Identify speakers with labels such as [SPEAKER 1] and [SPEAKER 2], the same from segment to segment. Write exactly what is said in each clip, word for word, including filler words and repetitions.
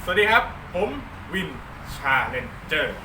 [SPEAKER 1] สวัสดีครับผมวินชาเลนเจอร์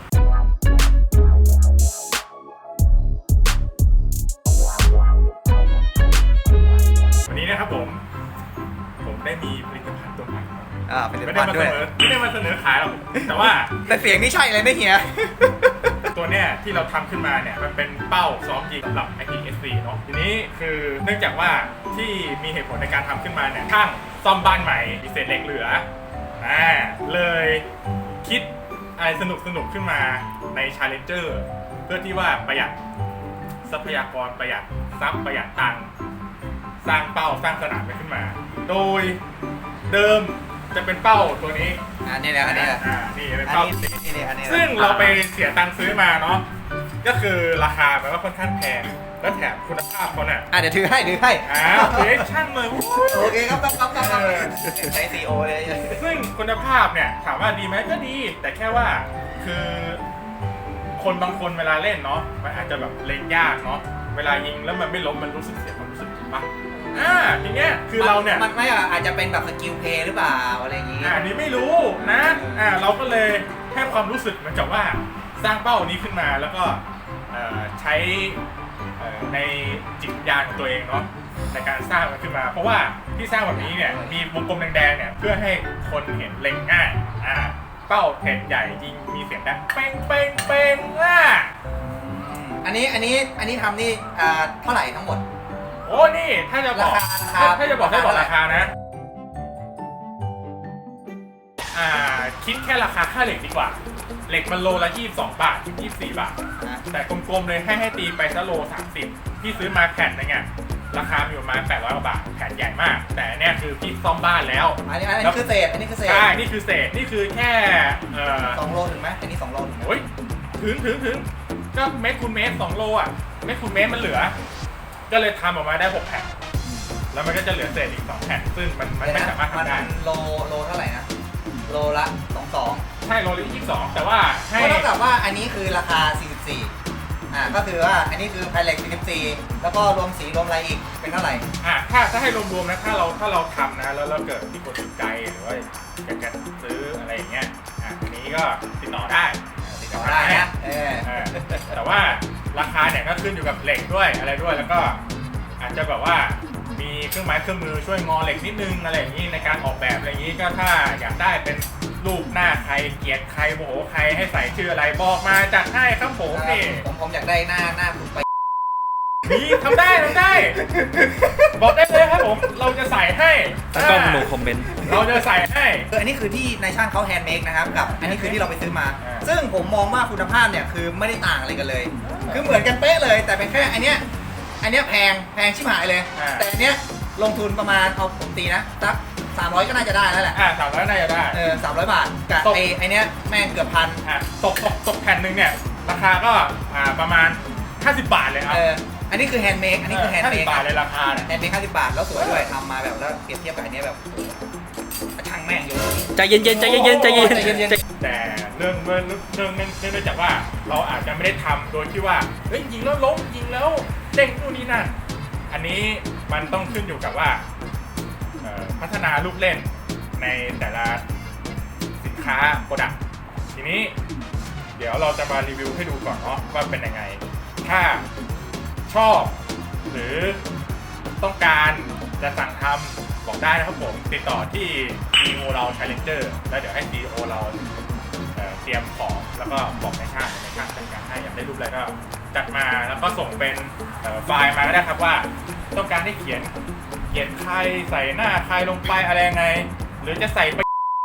[SPEAKER 1] วันนี้นะครับผมผมได้มีผลิตภัณฑ์ตัวใหม่
[SPEAKER 2] อ่าเป็น
[SPEAKER 1] ไม่
[SPEAKER 2] เรื่
[SPEAKER 1] ได้
[SPEAKER 2] อง
[SPEAKER 1] มา
[SPEAKER 2] ด้
[SPEAKER 1] เส
[SPEAKER 2] วย
[SPEAKER 1] นอไม่ได้มาเสนอขายหรอกแต่ว่า
[SPEAKER 2] แต่เสียงนี่ใช่เลยนะเฮีย
[SPEAKER 1] ตัวเนี้ยที่เราทำขึ้นมาเนี่ยมันเป็นเป้าซ้อมยิงสำหรับ ไอ พี เอส ซี เนาะทีนี้คือเนื่องจากว่าที่มีเหตุผลในการทำขึ้นมาเนี่ยช่างซ่อมบ้านใหม่มีเศษเหล็กเหลืออ่าเลยคิดอะไรสนุกสนุกขึ้นมาใน Challenger เพื่อที่ว่าประหยัดทรัพยากรประหยัดทรัพย์ประหยัดตังค์สร้างเป้าสร้างสนามไปขึ้นมา โดยเดิมจะเป็นเป้าตัวนี้
[SPEAKER 2] อันนี้แหละอันนี้แหละ
[SPEAKER 1] อ่านี่เป็น
[SPEAKER 2] อัน
[SPEAKER 1] เป้า
[SPEAKER 2] นี้นี่นี่อันนี้
[SPEAKER 1] ซึ่งเราไปเสียตังค์ซื้อมาเนาะก็คือราคามันก็ค่อนข้างแพงแล้วแถมคุณภาพเขาเนี่ย
[SPEAKER 2] อ่ะเดี๋ยวถือให้ถือให้
[SPEAKER 1] อ้าวเฮ้ยช่างเลย
[SPEAKER 2] โอเคครับครับครับครับใช้ซีโอเลย
[SPEAKER 1] ซึ่งคุณภาพเนี่ยถามว่าดีไหมก็ดี แต่แค่ว่าคือคนบางคนเวลาเล่นเนาะมันอาจจะแบบเล่นยากเนาะเวลายิงแล้วมันไม่ล้มมันรู้สึกเสียความรู้สึกถูกปะอ่าทีเนี้ยคือเราเนี่ย
[SPEAKER 2] มันไม่อ่ะอาจจะเป็นแบบสกิลเพย์หรือเปล่าอะไรอย่างงี้
[SPEAKER 1] อ่าอันนี้ไม่รู้นะอ่าเราก็เลยให้ความรู้สึกเหมือนกับว่าสร้างเป้านี้ขึ้นมาแล้วก็เอ่อใช้เอ่อในจิตวิญญาณของตัวเองเนาะในการสร้างมันขึ้นมา เพราะว่าที่สร้างแบบนี้เนี่ยมีวงกลมแดงๆเนี่ยเพื่อให้คนเห็นเล็งง่ายอ่าเป้าแผ่นใหญ่ยิงมีเสียงดังเป้งเป้งเป้งอ่ะ
[SPEAKER 2] อันนี้อันนี้อันนี้ทำนี่อ่าเท่าไหร่ทั้งหมด
[SPEAKER 1] โอ้นี่ถ้าจะบอก
[SPEAKER 2] ราคาราคา
[SPEAKER 1] ถ้าถ้าจะบอกให้บอก
[SPEAKER 2] รา
[SPEAKER 1] รา
[SPEAKER 2] คา
[SPEAKER 1] คานะอ่าคิดแค่ราคาค่าเหล็กดีกว่าเหล็กมันโลละยี่สิบสองบาทถึงยี่สิบสี่บาท
[SPEAKER 2] นะ
[SPEAKER 1] แต่กลมๆเลยให้ให้ตีไปซะโลสามสิบพี่ซื้อมาแผ่นนึงอ่ะราคาอยู่ประมาณแปดร้อยกว่าบาทแผ่นใหญ่มาก แต่เนี่ยคือพี่ซ่อมบ้านแล้ว
[SPEAKER 2] อันนี้อันนี้คือเศษอันนี้คือเศษ
[SPEAKER 1] ใช่นี่คือเศษนี่คือแค่เอ่อ
[SPEAKER 2] สองโลถึงไหมอันนี้สองโลถึงไหม
[SPEAKER 1] โอ้ยถึงถึงถึงก็เมตรคูณเมตรสองโลอ่ะเมตรคูณเมตรมันเหลือ ก็เลยทำออกมาได้หกแผ่นแล้วมันก็จะเหลือเศษอีกสองแผ่นซึ่งมันมันไม่สามารถทำได้
[SPEAKER 2] โลโลเท่าไหร่นะโลละสองสอง
[SPEAKER 1] ใช่โลละยี่สิบสองแต่ว่าให้
[SPEAKER 2] ก็เท่ากับว่าอันนี้คือราคาสี่สิบสี่อ่าก็คือว่าอันนี้คือไพเล็กสี่สิบสี่แล้วก็รวมสีรวมอะไรอีกเป็นเท่าไหร่
[SPEAKER 1] อ่ะถ้าถ้าให้รวมๆนะถ้าเราถ้าเราทำนะแล้วเราเกิดที่คนสนใจหรือว่าอยากจะซื้ออะไรอย่างเงี้ยอ่ะอันนี้ก็ติดต่อได้
[SPEAKER 2] ติดต่อได้นะเออ
[SPEAKER 1] เออแต่ว่าราคาเนี่ยก็ขึ้นอยู่กับเหล็กด้วยอะไรด้วยแล้วก็อาจจะแบบว่ามีเครื่องไม้เครื่องมือช่วยงอเหล็กนิดนึงอะไรอย่างนี้ในการออกแบบอะไรอย่างนี้ก็ถ้าอยากได้เป็นรูปหน้าใครเกลียดใครโมโหใครให้ใส่ชื่ออะไรบอกมาจัดให้ครับผมนี่
[SPEAKER 2] ผมผมอยากได้หน้าหน้าผมไป
[SPEAKER 1] นี่ทำได้ทำได้ บอกได้เลยครับผมเราจะใส่ให้
[SPEAKER 3] แล้วก็โนคอมเมนต์
[SPEAKER 1] เราจะใส่ให้
[SPEAKER 2] คืออันนี้คือที่นายช่างเขาแฮนด์เมดนะครับกับอันนี้คือที่เราไปซื้อมา
[SPEAKER 1] อ่า
[SPEAKER 2] ซึ่งผมมองว่าคุณภาพเนี่ยคือไม่ได้ต่างอะไรกันเลย คือเหมือนกันเป๊ะเลยแต่เป็นแค่อันเนี้ยอันเนี้ยแพงแพงชิบหายเลย แต่อันเนี้ยลงทุนประมาณเอาผมตีนะสักสามร้อยก็น่าจะได้แล้วแหละ
[SPEAKER 1] อ่าสามร้อยน่าจะได้
[SPEAKER 2] เออสามร้อยบาทกับ
[SPEAKER 1] ตก
[SPEAKER 2] ไอ้ไอ้เนี้ยแม่งเกือบพัน
[SPEAKER 1] อ่ะตกตกตกแผ่นหนึ่งเนี่ยราคาก็อ่าประมาณห้าสิบบาทเลยครับ
[SPEAKER 2] เอออันนี้คือแฮนด์เมดอันนี้คือแฮนด์
[SPEAKER 1] ห้า
[SPEAKER 2] เม
[SPEAKER 1] สิ
[SPEAKER 2] ด
[SPEAKER 1] บบาทเลยราคาเนี่ย
[SPEAKER 2] แฮนด์เมดห้าสิบบาทแล้วสวยด้วยทำมาแบบแล้วเปรียบเทียบกับอันเนี้ยแบบช่างแม่งอยู่
[SPEAKER 3] ใจเย็นๆใจเย็นๆใจเย็น
[SPEAKER 2] ใจเย็น
[SPEAKER 3] ๆ
[SPEAKER 1] แต่เรื่องเรื่องเรื่องเนื่องเนื่องจากว่าเราอาจจะไม่ได้ทำโดยที่ว่าเฮ้ยยิงแล้วล้มยิงแล้วเด้งนู่นนี่นั่นอันนี้มันต้องขึ้นอยู่กับว่าเอ่อพัฒนาลูกเล่นในแต่ละสินค้าโปรดักต์ทีนี้เดี๋ยวเราจะมารีวิวให้ดูก่อนเนาะว่าเป็นยังไง ถ้าชอบหรือต้องการจะสั่งทำบอกได้นะครับผมติดต่อที่ ซี อี โอ เรา Challenger แล้วเดี๋ยวให้ ซี อี โอ เราเอ่อเตรียมของแล้วก็บอกในช่างในช่างจัดการให้อยากได้รูปอะไรก็จัดมาแล้วก็ส่งเป็นเอ่อไฟล์มาก็ได้ครับว่าต้องการให้เขียนเขียนใครใส่หน้าใครลงไปอะไรยังไง หรือจะใส่ไป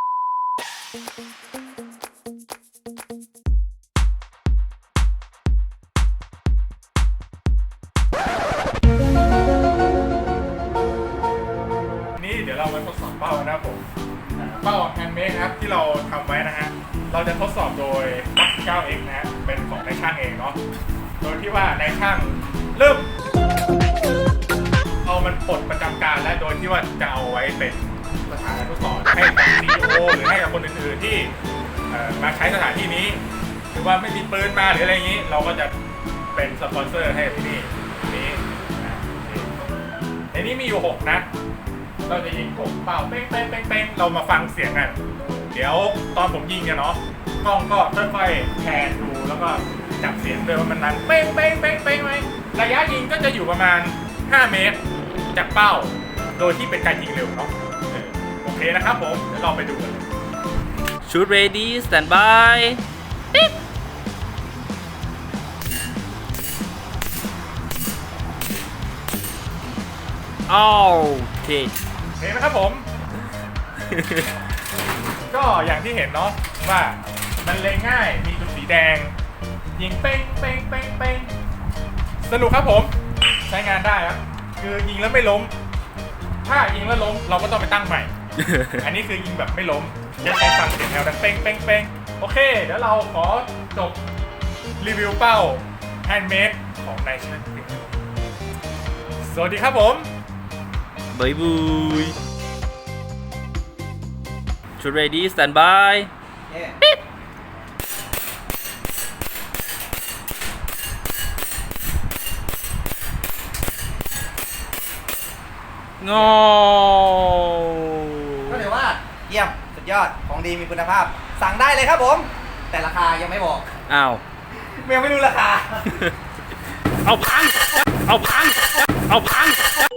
[SPEAKER 1] นี่เดี๋ยวเรามาทดสอบเป้านะครับผมอ่าเป้าแฮนด์เมดนะครับที่เราทำไว้นะฮะเราจะทดสอบโดย เก้าเอ็กซ์ นะฮะเป็นของนายช่างเองเนาะโดยที่ว่านายช่างเริ่มเอามันปลดประจำการและโดยที่ว่าจะเอาไว้เป็นสถานทดสอบให้กับ ซี อี โอ หรือให้กับคนอื่นๆที่เอ่อมาใช้สถานที่นี้หรือว่าไม่มีปืนมาหรืออะไรอย่างนี้ เราก็จะเป็นสปอนเซอร์ให้ที่นี่นี้นะนี่ในนี้มีอยู่หกนะเราจะยิงหกเป่าเป้งเป้งเป้งเป้งเรามาฟังเสียงกันเดี๋ยวตอนผมยิงเนี่ยเนาะกล้องก็ค่อยๆแพนดูแล้วก็จับเสียงด้วยว่ามันดังเป้งเป้งเป้งเป้งไหมระยะยิงก็จะอยู่ประมาณห้าเมตรจากเป้าโดยที่เป็นการยิงเร็วเนาะเออโอเคนะครับผมเดี๋ยวเราไปดูกันเลย
[SPEAKER 3] shoot ready stand by ติ๊กโอเค
[SPEAKER 1] เห็นไหมครับผม ก็อย่างที่เห็นเนาะว่ามันเล็งง่ายมีจุดสีแดง ยิงเป้งเป้งเป้งเป้งสนุกครับผมใช้งานได้ครับคือยิงแล้วไม่ล้ม ถ้ายิงแล้วล้มเราก็ต้องไปตั้งใหม่ อันนี้คือยิงแบบไม่ล้มจะใช้ฟังเสียงแถวดังเป้งเป้งเป้งโอเค เดี๋ยวเราขอจบรีวิวเป้าแฮนด์เมดของนายช่างเพียงสวัสดีครับผม
[SPEAKER 3] บายบาย shoot ready stand by
[SPEAKER 2] เย้
[SPEAKER 3] งอ
[SPEAKER 2] ก็ถือว่าเยี่ยมสุดยอดของดีมีคุณภาพ สั่งได้เลยครับผม แต่ราคายังไม่บอก
[SPEAKER 3] อ้าว
[SPEAKER 2] ยังไม่รู้ราคา
[SPEAKER 3] เอาพัง เอาพัง เอาพัง